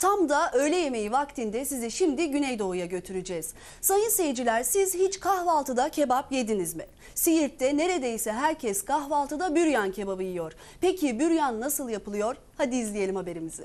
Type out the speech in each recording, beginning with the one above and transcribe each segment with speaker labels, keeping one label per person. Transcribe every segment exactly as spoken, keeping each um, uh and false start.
Speaker 1: Tam da öğle yemeği vaktinde sizi şimdi Güneydoğu'ya götüreceğiz. Sayın seyirciler, siz hiç kahvaltıda kebap yediniz mi? Siirt'te neredeyse herkes kahvaltıda büryan kebabı yiyor. Peki büryan nasıl yapılıyor? Hadi izleyelim haberimizi.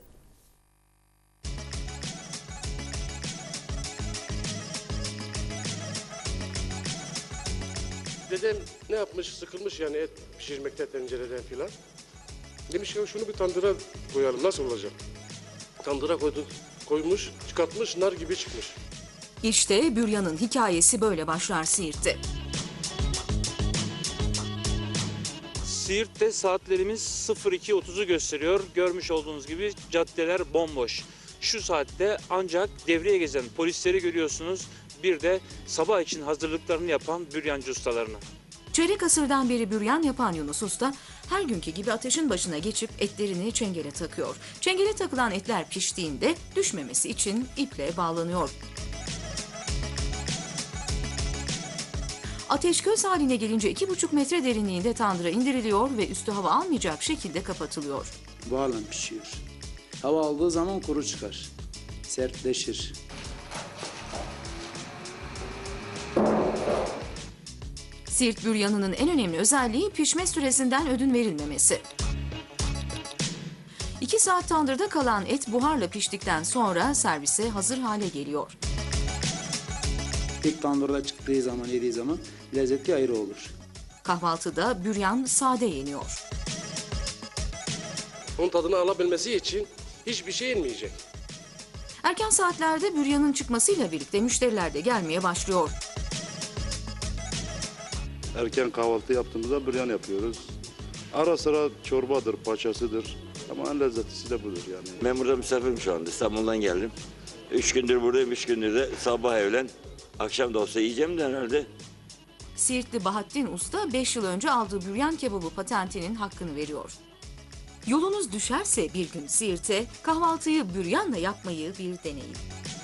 Speaker 2: Dedem ne yapmış, sıkılmış yani et pişirmekte tencereden filan. Demiş ki şunu bir tandıra koyalım, nasıl olacak? Tandıra koydu, koymuş, çıkartmış, nar gibi çıkmış.
Speaker 3: İşte büryanın hikayesi böyle başlar Siirt'te.
Speaker 4: Siirt'te saatlerimiz sıfır iki otuzu gösteriyor. Görmüş olduğunuz gibi caddeler bomboş. Şu saatte ancak devreye gezen polisleri görüyorsunuz. Bir de sabah için hazırlıklarını yapan büryancı ustalarını.
Speaker 3: Çeyrek asırdan beri büryan yapan Yunus Usta her günkü gibi ateşin başına geçip etlerini çengele takıyor. Çengele takılan etler piştiğinde düşmemesi için iple bağlanıyor. Ateş köz haline gelince iki buçuk metre derinliğinde tandıra indiriliyor ve üstü hava almayacak şekilde kapatılıyor.
Speaker 5: Buharla pişiyor. Hava aldığı zaman kuru çıkar. Sertleşir.
Speaker 3: Siirt büryanının en önemli özelliği pişme süresinden ödün verilmemesi. İki saat tandırda kalan et buharla piştikten sonra servise hazır hale geliyor.
Speaker 5: İlk tandırda çıktığı zaman, yediği zaman lezzeti ayrı olur.
Speaker 3: Kahvaltıda büryan sade yeniyor.
Speaker 2: Onun tadını alabilmesi için hiçbir şey yenmeyecek.
Speaker 3: Erken saatlerde büryanın çıkmasıyla birlikte müşteriler de gelmeye başlıyor.
Speaker 6: Erken kahvaltı yaptığımızda büryan yapıyoruz. Ara sıra çorbadır, paçasıdır. Ama en lezzetlisi de budur yani.
Speaker 7: Ben burada misafirim şu anda. İstanbul'dan geldim. Üç gündür buradayım, üç gündür de sabah öğlen. Akşam da olsa yiyeceğim de herhalde.
Speaker 3: Siirtli Bahattin Usta beş yıl önce aldığı büryan kebabı patentinin hakkını veriyor. Yolunuz düşerse bir gün Siirt'e kahvaltıyı büryanla yapmayı bir deneyin.